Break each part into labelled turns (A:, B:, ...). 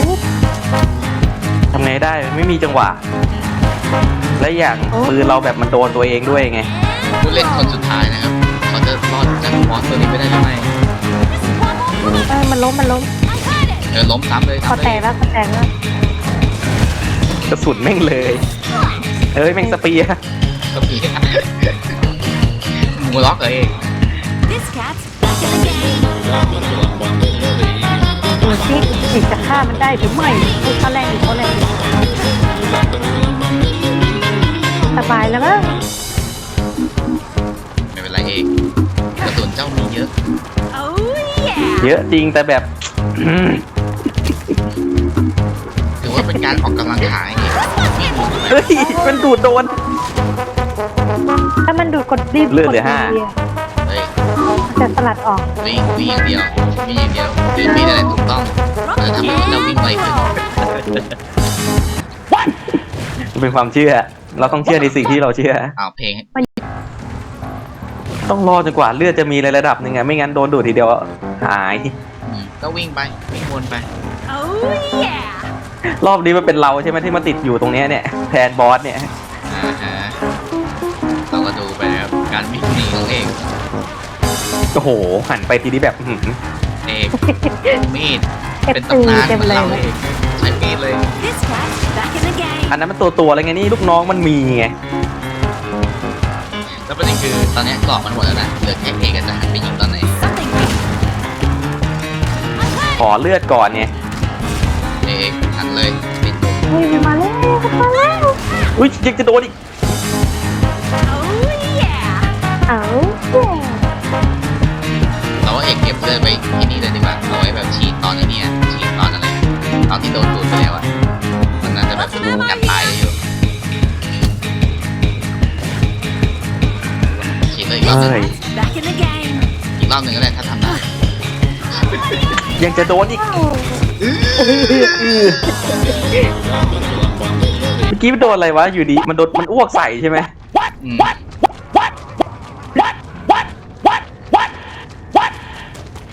A: ทำไงได้ไม่มีจังหวะและอย่างปืนเราแบบมันโดนตัวเองด้วยไง
B: ผู้เล่นคนสุดท้ายนะครับเขาจะรอดจากมอสตัวนี้ไปได้หรือไม่
C: มันล้ม
B: ล้มซ้ำเลย
C: คอแตกแล้ว
A: กระสุนแม่งเลยเฮ้ยแม่งสเปียร์
B: ก็มีมูล็อกเลย
C: ดูสิอีกจะฆ่ามันได้หรือไม่เขาแรงสบายแล้วมั้ง
B: ไม่เป็นไรเองกระสุนเจ้ามีเยอะ
A: เยอะจริงแต่แบบ
B: ถือว่าเป็นการออกกำลังกายนี่
A: เฮ้ยมันดูดโดน
C: ถ้ามันดูดกดรีบ
A: เลือดเหลือ
C: ก
A: 5
B: เฮ้ย
C: จะสลัดออก
B: วิ่งอย่างเดียววิ่งอย่างเดียวคือมีอะไรถูกต้องจะทำให้เราวิ่งไวขึ้น
A: มันเป็นความเชื่อ เราต้องเชื่อในสิ่งที่เราเชื่อ
B: เอาเพลง
A: ต้องรอจนกว่าเลือดจะมีในระดับหนึ่งไงไม่งั้นโดนดูดทีเดียวหาย
B: ก็วิ่งไปวิ่งวนไป
A: รอบนี้มันเป็นเราใช่ไหมที่มาติดอยู่ตรงเนี้ยเนี่ยแทนบอสเนี่ย
B: เราก็ดูไปนะครับการวิ่งหนีของเอก
A: โอ้โหหันไปทีนี้แบบหืม
B: เอกมีดเป็นตำนานเหมือนเราเอกใช้มีดเลย
A: อันนั้นมันตัวอะไรไงนี่ลูกน้องมันมีไง
B: แล้วประเด็นคือตอนนี้เกาะมันหมดแล้วนะเหลือแค่เอกจะหันไปยิงตอนไหน
A: ขอเลือดก่อนไง
B: เอกหันเลยปิด
C: เฮ้ยมาแล้ว
A: อุ้ยยังจะโดนอีก
C: เอา
B: เราว่าเอกเก็บเลือดไว้ที่นี่เลยดีกว่าเอาไว้แบบฉีดตอนนี้ฉีดตอนอะไรตอนที่โดนดูดไปแล้วอะมันน่าจะแบบกันตายได้อยู่ฉีดเลยอีกรอบหนึง
A: เฮ้ย
B: อีกรอบหนึ่งก็ได้ถ้าทำได้
A: ยังจะโดนอีกเมื่อกี้มันโดนอะไรวะอยู่ดีมันโดนมันอ้วกใส่ใช่ไหม
B: อืม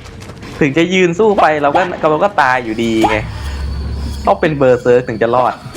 A: ถึงจะยืนสู้ไปเราก็ตายอยู่ดีไงต้องเป็นเบอร์เซิร์กถึงจะรอด